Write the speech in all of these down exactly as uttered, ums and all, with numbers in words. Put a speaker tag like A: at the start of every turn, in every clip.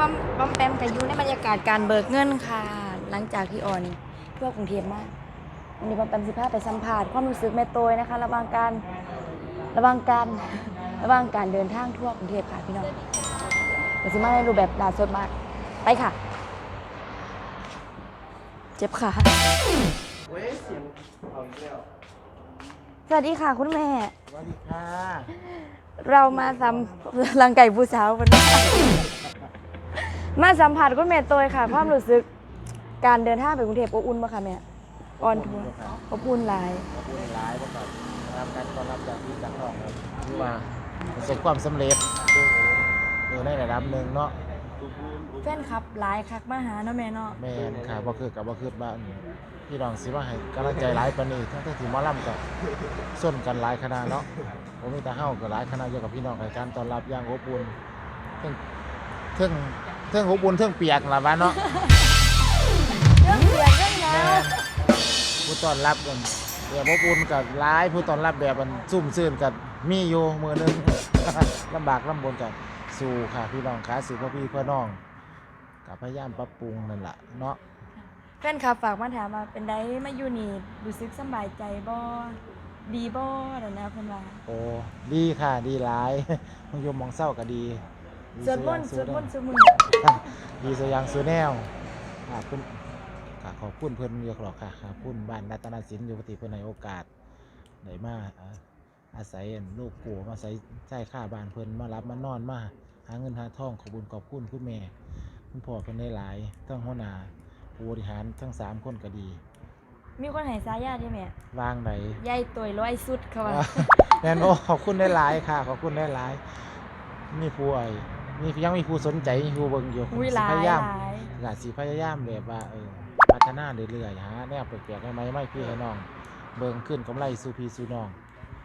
A: อมบอมแปมกับยูในบรรยากาศการเบิกเงินค่ะหลังจากที่ออนทั่วกรุงเทพมากวันนี้บอมแปมสิบห้าไปสัมผัสความรู้สึกแม่โตยนะคะระหว่างการระหว่างการระหว่างการเดินทางทั่วกรุงเทพค่ะพี่น้องแต่สิมาในรูปแบบดาสดมากไปค่ะเจ็บขาสวัสดีค่ะคุณแม่
B: สวัสดีค่ะ
A: เรามาสัมรังไก่ผู้สาววันนี้มาสัมผัสคุณแม่โตยค่ะความรู้สึกการเดินทางไปกรุงเทพอบอุ่นป่ะคะแม่ออนทัวร์อบอุ่นหลาย
B: อบอุ่นหลายประกอบรับการต้อนรับจากพี่จากน้องครับที่ว่าประสบความสำเร็จเออในระดับหนึ่งเนาะ
A: แฟนคลับหลายคักมาหาเนาะแม่เนาะ
B: แม่นค่ะบ่คือกับบ่คือบ้านพี่น้องสิว่าให้กำลังใจหลายปานนี้ทั้งที่หมอลำกับส้นกันหลายคณะเนาะบ่มีแต่เฮาก็หลายคณะอยู่กับพี่น้องให้การต้อนรับอย่างอบอุ่นเทิงเทิงเทิงอบอุ่นเทิงเปียกล่ะว่าเนาะ
A: เรื่องเสียงเรื่องแล้ว
B: ผู้ต้อนรับกันแบบอบอุ่นกับหลายผู้ต้อนรับแบบมันซุ่มซื่นกันมีอยู่มื้อนึง ลำบากลำบนกันสู้ค่ะพี่น้องขาสู่พ่อพี่เพื่อน้องกับพยายามปรับปรุงนั่นแหละเนาะ
A: แฟนคลับฝากมาถามว่าเป็นไดมาอยู่นี่รู้สึกสบายใจบ่ดีบ่นั่นนะเพิ่นว่า
B: โอ้ดีค่ะดีหลายมึงยมมองเศร้าก็ดี
A: สวดมนต์สวดมนต์ซุมื้อ
B: ดีสยางสูแนวค่ะคุณค่ะขอบคุณเพิ่นเยอะหรอกค่ะขอบคุณบ้านรัตนศิลป์อยู่ปฏิเพิ่นให้โอกาสได้มาอาศัยลูกกูมาอาศัยใช้ค่าบ้านเพิ่นมารับมานอนมาหาเงินหาทองขอบคุณขอบคุณคุณแม่คุณพ่อเพิ่นได้หลายทั้งหัวหน้าผู้บริหารทั้งสามคนก็ดี
A: มีคนให้สายญาติแม่
B: วางไหน
A: ยายตวยร้อยสุดเขาว่า
B: แน่นโอ้ขอบคุณได้หลายค่ะขอบคุณได้หลายมีผู้ไอ้มียังมีผู้สนใจมีผู้เบิ่งอยู่พยายามอยากสิพยายามแบบว่าเออพัฒนาเรื่อยๆหาแนวแปลกๆให้ไหมไม่พี่ให้น้องเบิ่งขึ้นกำไรสู่พี่สู่น้อง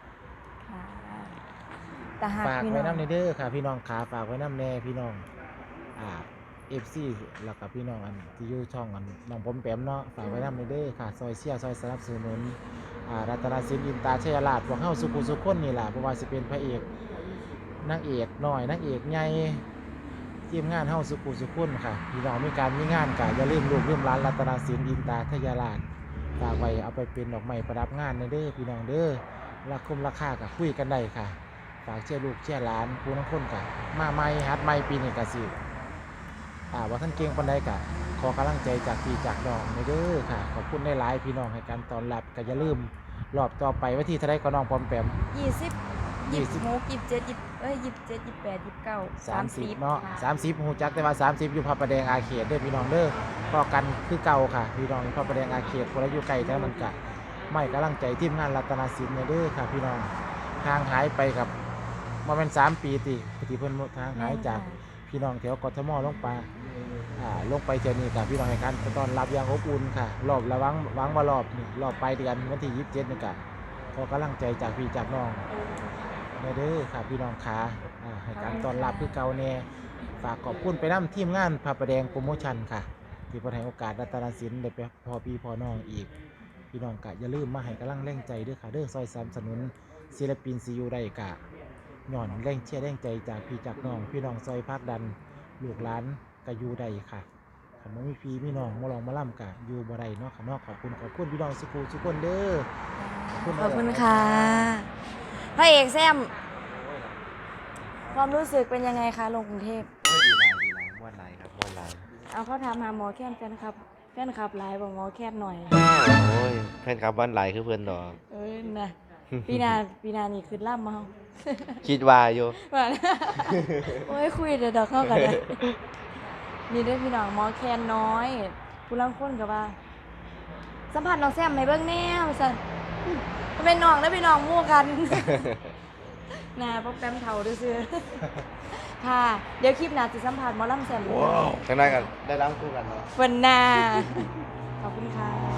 B: ฝากไว้น้ำในเด้อค่ะพี่น้องขาฝากไว้น้ำแน่พี่น้องอ่าเอฟซีแล้วกับพี่น้องอันที่อยู่ช่องอันน้องผมแปมเนาะฝากไว้น้ำในเด้อค่ะซอยเชียร์ซอยสนับสนุนอ่ารัตนศิลป์อินตาชัยราชพวกเฮาสุขุสุขคนนี่แหละเพราะว่าสิเป็นพระเอกนางเอกหน่อยนางเอกใหญ่ทีมงานเฮาสุขุสุขคนค่ะพี่น้องมีการมีงานกะอย่าลืมลูกลืมร้านรัตนศิลป์อินตาชัยราชฝากไว้เอาไปเป็นดอกไม้ประดับงานในเด้อพี่น้องเด้อราคมราคากับคุยกันได้ค่ะฝากเชื่อลูกเชื่อหลานผู้น้องคนค่ะมาใหม่ฮัดใหม่ปีนี้กะสิอ่าว่าท่านเก่งปันใดกะขอกำลังใจจากพี่จากน้องในเด้อค่ะขอบคุณได้หลายพี่น้องให้การต้อนรับก็อย่าลืมรอบต่อไปวันที่เท่าไรก็น้องพร้อมแปม
A: ยี่สิบยี่สิบหกยี่สิบเจ็ดยี่เอ้ยยี่สิบเจ็ดยี่สิบแปดยี่สิบเก้า
B: สามสิบเนาะสามสิบหูจักแต่ว่าสามสิบอยู่พระประแดงอาเขตเด้อพี่น้องเด้อพอกันคือเก่าค่ะพี่น้องพระประแดงอาเขตคนละอยู่ไกลแท้มันกะไม่กำลังใจทีมงานรัตนศิลป์เด้อค่ะพี่น้องห่างหายไปกับมาเป็นสามปีติปฏิเพิ่นทางหายจากพี่น้องแถวกทมลงไปอ่าลงไปเจอนี่กับพี่น้องให้การต้อนรับอย่างอบอุ่นค่ะรอบระวังวังว่ารอบนี่รอบไปเดือนวันที่ยี่สิบเจ็ดนี่กะขอกำลังใจจากพี่จากน้องเด้อค่ะพี่น้องขาอ่าให้การต้อนรับคือเก่าแน่ฝากขอบคุณไปนำทีมงานพระประแดงโปรโมชั่นค่ะที่เพิ่นให้โอกาสรัตนศิลป์ได้ไปพอพี่พอน้องอีกพี่น้องกะอย่าลืมมาให้กำลังแรงใจด้วยค่ะเด้อซอยสนับสนุนศิลปินซีอูได้กะหย่อนแรงเชียร์แรงใจจากพี่จากน้องพี่น้องซอยพักดันลูกหลานกะอยู่ได้ค่ะคำว่ามีพี่มีน้องมาลองมาล่ำกะอยู่บ่ได้เนาะค่ะเนาะขอบคุณขอบคุณพี่น้องสุขุสุขคนเด้อ
A: ขอบคุณขอบคุณค่ะพระเอกแซมความรู้สึกเป็นยังไงคะลงกรุงเทพ
C: ดีหลายดีหลายม้วนหลายครับม้วนหลาย
A: เอาเขาถามหาหมอแค้นแฟนครับแฟนครับหลายบอกหมอแค้นหน่อย
C: โอ้ยแฟนคลับบ้านหลายคือเพื่อนดอก
A: เอ้ยนะปีนาปีนานี่คือล่ำมา
C: คิดว่าอยู่
A: โอ้ยคุยเดี๋ยวดอกเข้ากันเลยนี่ด้วยพี่น้องหมอแคนน้อยผู้ลังคนกับว่าสัมผัสน้องแซมให้เบิ่งแน่ว่าซั่นมันเป็นน้องแล้วเป็นน้องมู่กันน่าพวกแป๊มเฒ่าซื่อๆค่ะเดี๋ยวคลิปหน้าสิสัมภาษณ์หมอลำแซม
C: ว้าวจังได๋กันได้ล้ำคู่กันเนาะ
A: เพิ่นน่าขอบคุณค่ะ